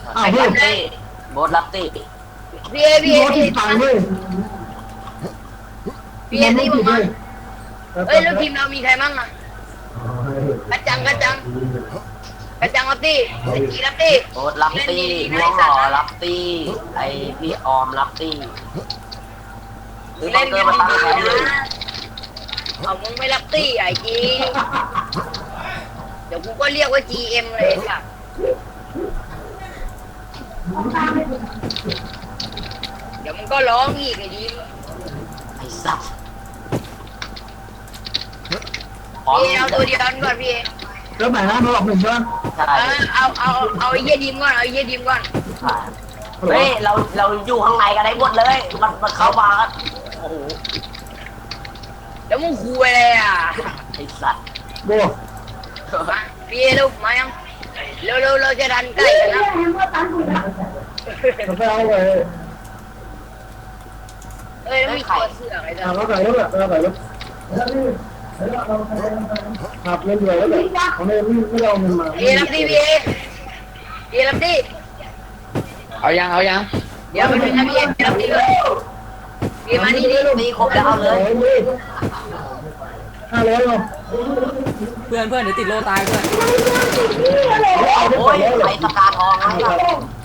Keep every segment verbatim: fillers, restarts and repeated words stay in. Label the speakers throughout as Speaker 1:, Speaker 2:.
Speaker 1: อ้าวเพื่อนตี้โบสรับตี้
Speaker 2: พี่เอพี่เอพี่เอ
Speaker 1: ตังด้วย
Speaker 2: พี่เอนี่มึงมาเอ้ยแล้วทีมเรามีใครมั่งอ่ะกระจังกระจังกระจังรับตี้ไอ้จีรับตี้
Speaker 1: โบสรับตี้ม่วงหล่อรับตี้ไอพี่ออมรับตี้หรือบังเกอร์มาตั้งแคมป์เลย
Speaker 2: เอามึงไม่รับตี้ไอ้จีเดี๋ยวกูก็เรียกว่า จี เอ็ม เลยค่ะเดี๋ยวมึงก็ร้องอีกไอ้ดี
Speaker 1: ไอ้สัส
Speaker 2: พี่เอาตัวเดียวก่อนพี่
Speaker 1: เริ่มใหม่นะมาหลอกหนึ่งใช่ไหมใช่
Speaker 2: เอาเอาเอาไอ้เยี่ยดิมก่อนเอาไอ้เยี่ยดิมก่อน
Speaker 1: เฮ้ยเราเราอยู่ข้างในกันได้หมดเลยมันมันเข้ามาโอ้โห
Speaker 2: แล้วมึงคุยอะไรอ่ะ
Speaker 1: ไอ้สัส
Speaker 2: โบ้พี่ลูกมายังเร็วเร็วเราจะดันใกล้กันนะ
Speaker 1: ไปเอาเลย
Speaker 2: เอ้ยมีตัวเสืออะไรต่าง
Speaker 1: เราใส่รถอะเราใส่รถขับเงินด้วยแล้วแบบเขาไม่ไม่เอาเงินมา
Speaker 2: พี่รับดีพี่พี่รับดี
Speaker 3: เอายังเอายัง
Speaker 2: เดี๋ยวไปดูนะพี่รับดีเลยพี่มานี่นี่
Speaker 1: ตีครบแล้วเอาเลยห้าร้อยเนาะ
Speaker 3: เพื่อนเพื่อนเดี๋ยวติดโลตายเพื่อน
Speaker 1: โอ้ยไอ้สกาทองนะครับ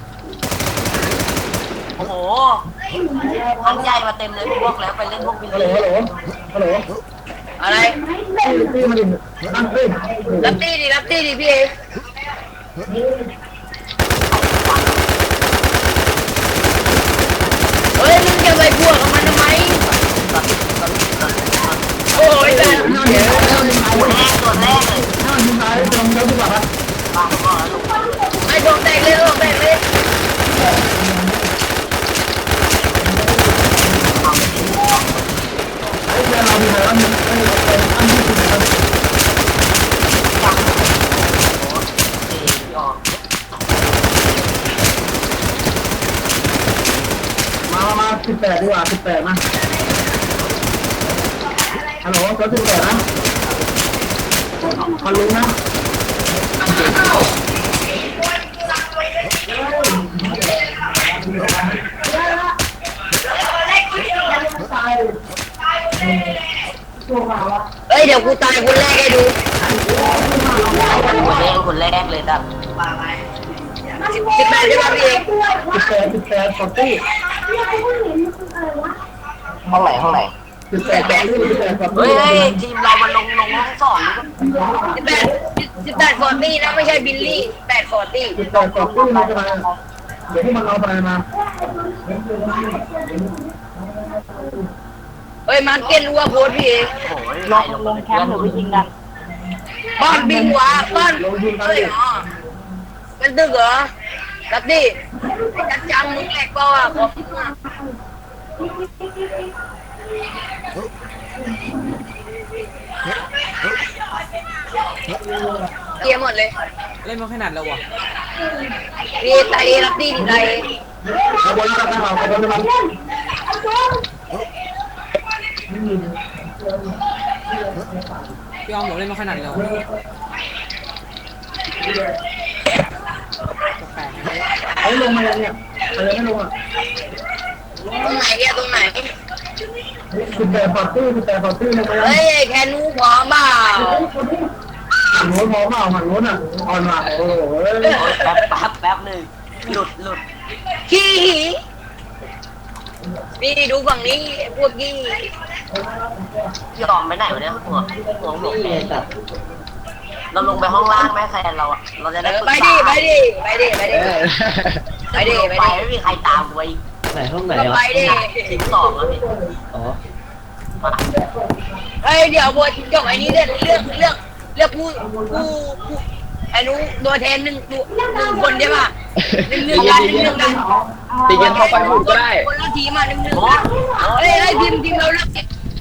Speaker 1: โอ้โหพันใหญ่มาเต็มเลยพวกแล้วไปเล่นพวกบิลลี่ฮัลโหลฮัลโหล
Speaker 2: อะไร
Speaker 1: ตีมาดิตั้งตี
Speaker 2: รับตีดิรับตีดิพี่เฮ้ยมึงจะไปพวกกับมันทำไมโอ้ยแต่
Speaker 1: ตัวแรกตัวแรกเลยน่ายิงตายตรงแล้วดีกว่าครับ
Speaker 2: ไอ้โดนแตกเลยโดนแตกเลย
Speaker 1: ไอ้แกเรามีอะไรบ้างไอ้ไอ้อันที่สุดนะครับมามาสิบแปดดีกว่าสิบแปดมาฮัลโหลก็สิบแปดนะฮัลโหลนะ
Speaker 2: เอ้ยเดี๋ยวกูตายคนแรกให้ดู
Speaker 1: คนแรกคนแรกเลยครับ
Speaker 2: สิบแปดใช่ไหมพี่
Speaker 1: สิบแปดสิบแปดขอบตี้ห้องไหนห้องไหนสิบแปดแปดเฮ้ยทีมเรามันลงลงห้องสอง
Speaker 2: สิบแปดสิบแปดฟอร์ตี้นะไม่ใช่บิลลี่แปดฟอร์ตี้
Speaker 1: สิบแปดขอบตี้มาจะมาเดี๋ยวพวกมันเอาไปมา
Speaker 2: เฮ้ยมันเก็นรัวโพสพี่
Speaker 1: ลงลงแคมป์หรือยิงกัน
Speaker 2: บ้านบินวะบ้านเฮ้ยอ๋อเป็นตึกเหรอรับดิจัดจังมึงแหลกเปล่าอ่ะขอบคุณมากเกียร์หมดเลย
Speaker 3: เล่นมาขนาดแล้ววะ
Speaker 2: พี่ไตรับดิไต
Speaker 1: ขบวนการทหารขบวนการ
Speaker 3: พี่ออมบอกเล่นมาขนาดแล้ว
Speaker 1: ไอ้ลงมาเนี่ยอะไรไม่ลงอ่ะ
Speaker 2: ตรงไหนเนี่ยตรงไหน
Speaker 1: สิบแปดปอดตื้อสิบแปดปอดตื้อลงมา
Speaker 2: เฮ้ยแค่นู้พร้อมเปล่า
Speaker 1: หันโน้นพร้อมเปล่าหันโน้นอ่ะอ่อนว่ะโอ้โหแป๊บแป๊บแป๊บหนึ่งหลุดหลุด
Speaker 2: ขี้นี่ดูฝั่งนี้พวกกี้
Speaker 1: ยอมไปไหนวะเนี่ยหัวหัวหลงแดงเราลงไปห้องล่างไหมแฟนเราอ่ะเราจะได้
Speaker 2: ไปดิไปดิไปดิไปดิไปดิ
Speaker 1: ไปไม่มีใครตามไว้
Speaker 3: ไหนห้องไหน
Speaker 2: ไปดิ
Speaker 1: สิบสองแล้วพี่
Speaker 3: อ๋อ
Speaker 2: เฮ้ยเดี๋ยวบทจบไอ้นี้เลือกเลือกเลือกเลือกผู้ผู้ผู้ไอ้นู้ตัวแทนหนึ่งตัวหนึ่งคนใช่ป่ะหนึ่งหนึ่งกันหนึ่งหนึ่งกัน
Speaker 3: ตีกันเข้าไปหมุนก็ได้
Speaker 2: คนละทีมาหนึ่งหนึ่งเฮ้ยไอ้ทีมทีมเราเลือก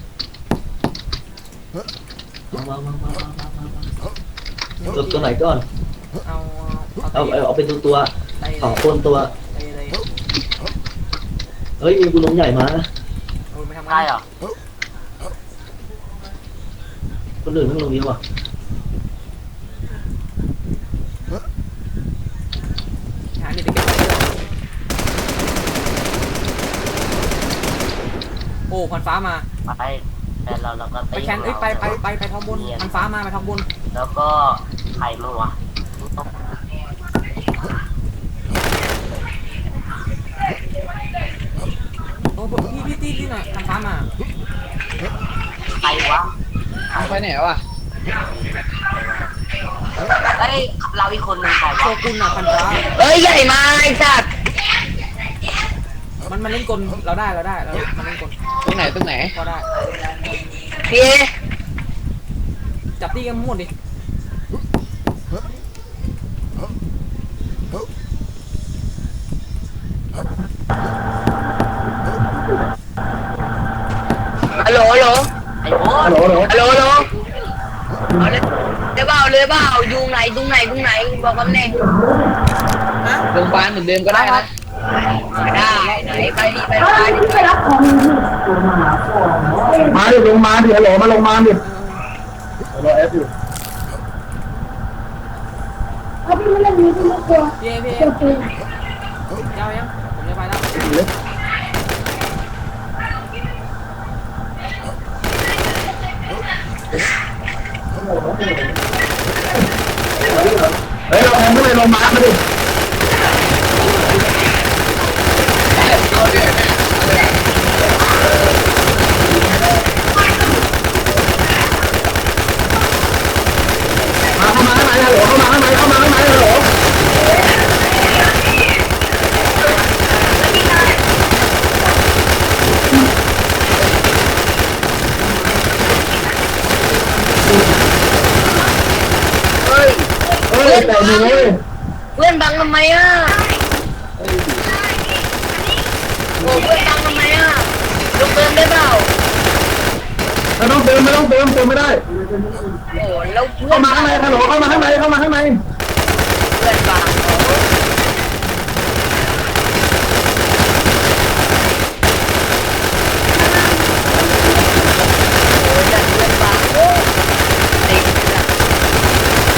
Speaker 4: ตัวตัวไหนก่อน
Speaker 3: เอา
Speaker 4: เอาเอาเป็นตัวตัวสองคนตัวเฮ้ยมีกูลงใหญ่มา
Speaker 1: ได้เหรอ
Speaker 4: คนอื่นไม่ลงนี้ว่ะ
Speaker 3: หาเด็กอ้พันฟ้ามา
Speaker 1: ไปแต่เราเราก็
Speaker 3: ไป
Speaker 1: ตี
Speaker 3: แคนเอ้ยไปไปไปไปท้องบนพันฟ้ามาไปท้องบน
Speaker 1: แล้วก็ใครมั่วะ
Speaker 3: โอ้พี่พี่ตีที่หน่อยพันฟ้ามา
Speaker 1: ใครวะ
Speaker 3: ไปไหนวะ
Speaker 1: เอ้ยเราอีกคนหนึ่งใคร
Speaker 3: โช
Speaker 1: วะ
Speaker 3: กุนอ่ะพันฟ้า
Speaker 2: เอ้ยใหญ่มาไอ้สัตว์
Speaker 3: มันมันเล่นกลเราได้เราได้เรามันเล่นกล
Speaker 5: ตรงไหนตรงไหน
Speaker 3: ก็ได้
Speaker 2: พี่
Speaker 3: จับตีกันหมดดิ
Speaker 2: ฮัลโหลฮัลโหล
Speaker 1: ไอ้โบ๊ท
Speaker 2: ฮัลโหลฮัลโหลเอาเลยเดี๋ยวเปล่าเลยเปล่าอยู่ไหนตรงไหนตรงไหนบอกตำแหน่ง
Speaker 3: ฮะ
Speaker 5: โรงพยาบาลเหมือนเดิมก็ได้นะ
Speaker 2: ได้ไหนไปดิไปไปดิไป
Speaker 6: มาดิลงมาดิฮัลโหลมาลงมาดิฮัลโหลเอฟอยู่
Speaker 3: พี่เอพี่เอเจ้ายังผมจะไปแล้ว
Speaker 6: เฮ้ยเราแทงขึ้นไปลงมามาดิมาเข้ามาข้างในฮัลโหลเข้ามาข้างในเข้ามาข้างในฮัลโหลเฮ้ยเฮ้ยแต่หนูเว้ย
Speaker 2: เพื่อนบังทำไมอ่ะโอ้เพื่อนบังทำไมอ่ะลงเติมได้เปล่า
Speaker 6: ไม่ต้องเติมไม่ต้องเติมเติมไม่ได้
Speaker 2: โอ้แล้วเพื่อ
Speaker 6: เข้าน มาข้างในฮัลโหลเข้ามาข้างในเข้ามาข้างใน
Speaker 2: เพื่อนบังโอ้จัดเพื่อนบังโอ้ติดจัด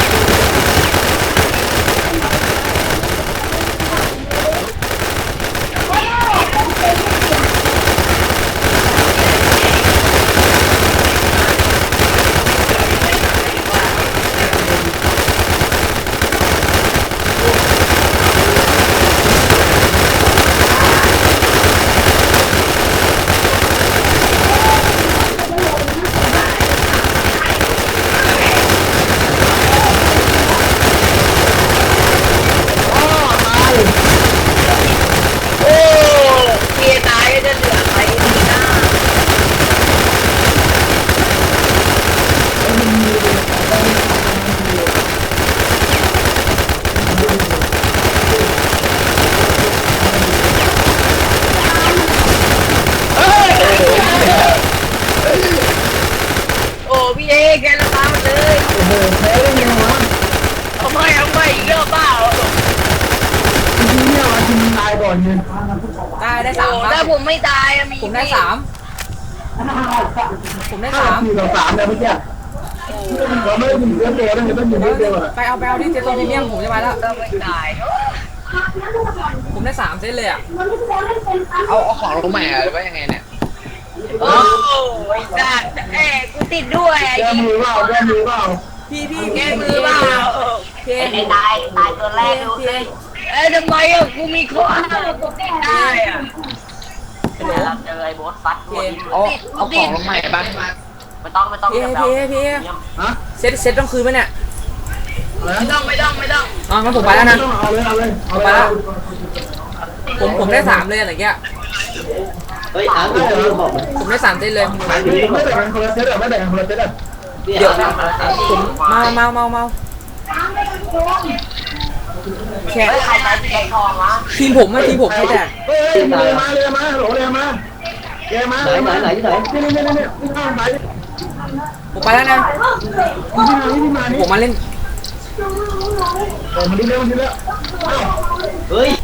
Speaker 2: โอ้เมียตายก็จะเหลือใครดีนะ โอ้พี่เอแกละตามมาเลย
Speaker 6: โอ้โหแพ้ได้ไงวะ
Speaker 2: เอาไม่เอาไม่อีกรอบเปล่า
Speaker 6: ทีนี้เนี่ยมาทีมตายก่อนเนี่ย
Speaker 3: ได้ได้สาม
Speaker 2: โอ้
Speaker 3: ครั
Speaker 2: ถ้า
Speaker 3: บ
Speaker 2: ผมไม่ตายอะมี
Speaker 3: ผมได้สามผมได้สาม
Speaker 6: สี่ต่อสามเนี่ยเมื่อกี้เราไม่ได้ยิงเยอะเดียวนะเห็นต้องยิงเยอะเดียวอ่ะ
Speaker 3: ไปเอาไปเอาที่เจตัวพรีเมียมผมจะไปแล้ว
Speaker 2: ก็ไม่ตายเนอะ
Speaker 3: ผมได้สามเซตเลยอ่ะ
Speaker 5: เอาเอาของลงใหม่อะหรือว่ายังไงเนี่ย
Speaker 2: โอ้ยสัตว์เอ้ยกูติดด้วยไอ้
Speaker 6: แก้มือเปล่าแก้มือเปล่า
Speaker 3: พี่พี่
Speaker 2: แกมือเปล่า
Speaker 3: พี่
Speaker 1: ไอ้ตายตายตัวแรกดูสิ
Speaker 2: เอ้ยทำไมอ่ะกูมีข้อห้ามกูติดได้อ่ะ
Speaker 1: เดี๋ยวเราเจอไอ้โบ๊ทฟัดตัวนี้
Speaker 5: เอาเอาของลงใหม่บ้าง
Speaker 1: ไม่ต้องไม่ต้อง
Speaker 3: พี่
Speaker 1: เดี๋ยว
Speaker 3: พี่
Speaker 1: เรา
Speaker 3: พี่
Speaker 6: ฮะ
Speaker 3: เซตเซตต้องคืนไหมเนี่ย
Speaker 2: ไม่ต้องไม่ต้องไม่ต้อง
Speaker 3: อ๋องั้นผมไปแล้วนะ
Speaker 6: เอาเลยเอาเลยเอาเลย
Speaker 3: ผมผมได้สามเลยอะไรเงี้ย
Speaker 4: เฮ้ยอาร์ตอยู่ที่บอกมัน
Speaker 3: ผมได้สามเซตเลย
Speaker 6: ไม่แบ่งกันคนละเซตอ่ะไม่แบ่งกันคนละเซตอ่ะ
Speaker 4: เนี่ย
Speaker 3: เดี๋ยว
Speaker 4: อาร์ต
Speaker 3: ผมเมาเมาเมาเมาแค่
Speaker 1: เฮ้ยใครใช้สีแดงทองวะ
Speaker 3: ทีมผมไม่ทีมผมใช่แต่
Speaker 6: เฮ้ยเลยมาเลยมาโหลเลยมาแกมา
Speaker 4: ไหนไหนไหนที่ไหน
Speaker 6: นี่นี่นี่นี่นี่ข้างไหน
Speaker 3: ผมไปแล้วนะ
Speaker 6: นี่มานี่มานี่
Speaker 3: ผมมาเล่น
Speaker 6: เออมาดูเร็วมาดูเร็ว
Speaker 4: เฮ้ย